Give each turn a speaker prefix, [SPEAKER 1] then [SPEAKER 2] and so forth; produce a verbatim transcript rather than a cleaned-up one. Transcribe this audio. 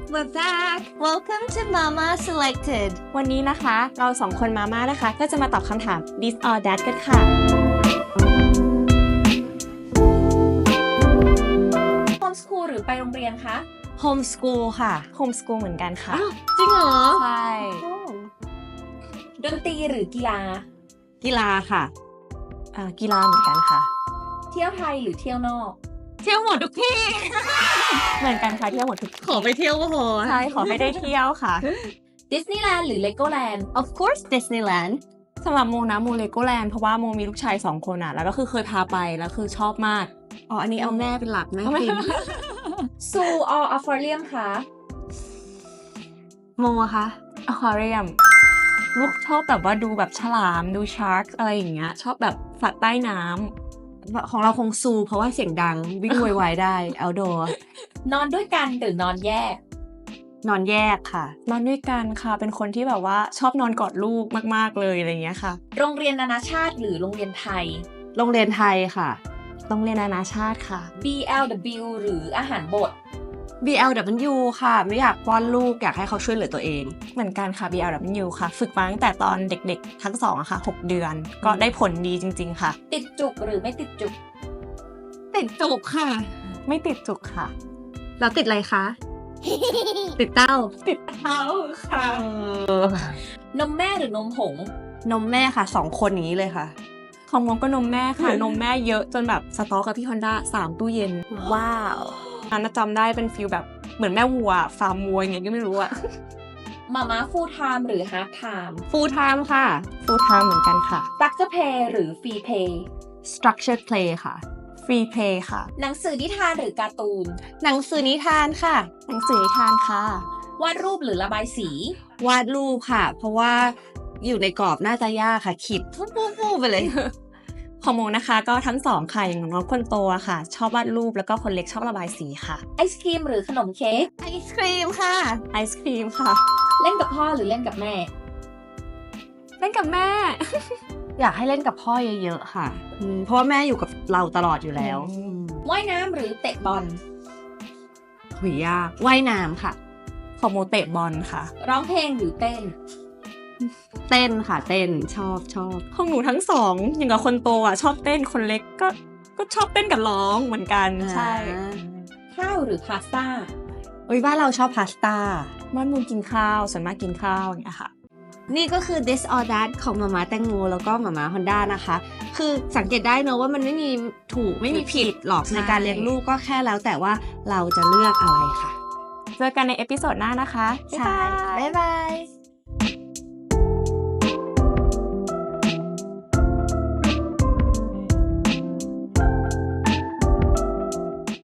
[SPEAKER 1] We're back Welcome to Mama Selected
[SPEAKER 2] วันนี้นะคะเราสองคนมาม่านะคะก็จะมาตอบคำถาม this or that กันค่ะ
[SPEAKER 3] Homeschool หรือไปโรงเรียนคะ
[SPEAKER 1] Homeschool ค่ะ
[SPEAKER 2] homeschool เหมือนกันค่ะ
[SPEAKER 1] จริงเหรอ
[SPEAKER 2] ใช่
[SPEAKER 3] ดนตรีหรือกีฬา
[SPEAKER 1] กีฬาค่ะ
[SPEAKER 2] อ่ากีฬาเหมือนกันค่ะ
[SPEAKER 3] เที่ยวไทยหรือเที่ยวนอก
[SPEAKER 1] เที่ยวหมดทุกที่
[SPEAKER 2] เหมือนกันค่ะเที่ยวหมดทุก
[SPEAKER 1] ขอไปเที่ยวก็พอ
[SPEAKER 2] ใช่ขอให้ได้เที่ยวค่ะ
[SPEAKER 3] ดิสนีย์แลนด์หรือเลโกแลนด์
[SPEAKER 1] Of course Disneyland
[SPEAKER 2] สำหรับโมนะโมเลโกแลนด์เพราะว่าโมมีลูกชายสองคนอ่ะแล้วก็คือเคยพาไปแล้วคือชอบมาก
[SPEAKER 1] อ๋ออันนี้เอาแม่เป็นหลักแม่ฟิน
[SPEAKER 3] ซูอออควาเรียมคะ
[SPEAKER 1] โมอะคะ
[SPEAKER 2] อควาเรียมลูกชอบแบบว่าดูแบบฉลามดูชาร์กอะไรอย่างเงี้ยชอบแบบสัตว์ใต้น้ำ
[SPEAKER 1] ของเราคงซูเพราะว่าเสียงดังวิ่งไวๆได้ outdoor
[SPEAKER 3] นอนด้วยกันหรือนอนแยก
[SPEAKER 1] นอนแยกค่ะ
[SPEAKER 2] นอนด้วยกันค่ะเป็นคนที่แบบว่าชอบนอนกอดลูกมากๆเลยอะไรอย่างเงี้ยค่ะ
[SPEAKER 3] โรงเรียนนานาชาติหรือโรงเรียนไทย
[SPEAKER 1] โรงเรียนไทยค่ะ
[SPEAKER 2] โรงเรียนนานาชาติค่ะ
[SPEAKER 3] บี แอล ดับเบิลยู หรืออาหารบด
[SPEAKER 1] บี แอล ดับเบิลยู ค่ะไม่อยากป้อนลูกอยากให้เขาช่วยเหลือตัวเอง
[SPEAKER 2] เหมือนกันค่ะ บี แอล ดับเบิลยู ค่ะ ฝึกมาตั้งแต่ตอนเด็กๆ ทั้งสองอะค่ะหกเดือน ก็ได้ผลดีจริงๆค่ะ
[SPEAKER 3] ติดจุกหรือไม่ติดจุก
[SPEAKER 1] ติดจุกค่ะ
[SPEAKER 2] ไม่ติดจุกค่ะ
[SPEAKER 1] แล้วติดอะไรคะ ติดเต้า
[SPEAKER 2] ติดเท้าค่ะ
[SPEAKER 3] นมแม่หรือนมผง
[SPEAKER 1] นมแม่ค่ะสองคนอย่างนี้เลยค่ะ
[SPEAKER 2] ของมงก็นมแม่ค่ะ นมแม่เยอะจนแบบสต็อกกับพี่ฮอนด้าสามตู้เย็น
[SPEAKER 1] ว้าว
[SPEAKER 2] อันนั้นจำได้เป็นฟิลแบบเหมือนแม่วัวฟาร์มวัวอย่างเงี้ยก็ไม่รู้อะ
[SPEAKER 3] มาม่าฟูลไทม์หรือฮาร์ t ไทม์
[SPEAKER 1] full time ค่ะ
[SPEAKER 2] ฟูลไทม์เหมือนกันค่ะ
[SPEAKER 3] ตักจะเพย์หรือฟรีเพย์
[SPEAKER 1] structured play ค่ะ
[SPEAKER 2] ฟรีเพย์ค่ะ
[SPEAKER 3] หนังสือนิทานหรือการ์ตูน
[SPEAKER 1] หนังสือนิทานค่ะ
[SPEAKER 2] หนังสือนิทานค่ะ
[SPEAKER 3] วาดรูปหรือระบายสี
[SPEAKER 1] วาดรูปค่ะ เพราะว่าอยู่ในกรอบน่าจะยากค่ะ ขีดฟู่ๆๆไปเลย
[SPEAKER 2] ของโมนะคะก็ทั้งสองค่ะอย่างน้องคนโตอะค่ะ ชอบวาดรูปแล้วก็คนเล็กชอบระบายสีค่ะ
[SPEAKER 3] ไอศครีมหรือขนมเค้ก
[SPEAKER 1] ไอศครีมค่ะ
[SPEAKER 2] ไอศครีมค่ะ
[SPEAKER 3] เล่นกับพ่อหรือเล่นกับแม่
[SPEAKER 2] เล่นกับแม่
[SPEAKER 1] อยากให้เล่นกับพ่อเยอะๆค่ะอืมเพราะว่าแม่อยู่กับเราตลอดอยู่แล้ว
[SPEAKER 2] อืม
[SPEAKER 3] ว่ายน้ำหรือเตะบอล
[SPEAKER 1] หุยยากว่ายน้ำค่ะ
[SPEAKER 2] ของโมเตะบอลค่ะ
[SPEAKER 3] ร้องเพลงหรือเต้น
[SPEAKER 1] เต้นค่ะเต้นชอบชอบ
[SPEAKER 2] ของหนูทั้งสองอย่างกับคนโตอ่ะชอบเต้นคนเล็กก็ก็ชอบเต้นกับร้องเหมือนกันใช่
[SPEAKER 1] อ่า
[SPEAKER 3] ข้าวหรือพาสต้า
[SPEAKER 1] โอ้ยบ้านเราชอบพาสต้า
[SPEAKER 2] บ้านมูกินข้าวส่วนมากกินข้าวอย่างเงี้ยค่ะ
[SPEAKER 1] นี่ก็คือ this or that ของมาม่าแตงโมแล้วก็มาม่าฮอนด้านะคะ คือสังเกตได้เนอะว่ามันไม่มีถูกไม่มีผิดหรอก
[SPEAKER 2] ใช่
[SPEAKER 1] ในการเลี้ยงลูกก็แค่แล้วแต่ว่าเราจะเลือกอะไรค่ะ
[SPEAKER 2] เจอกันในเอพิโซดหน้านะคะ
[SPEAKER 1] ใช่ บ๊ายบาย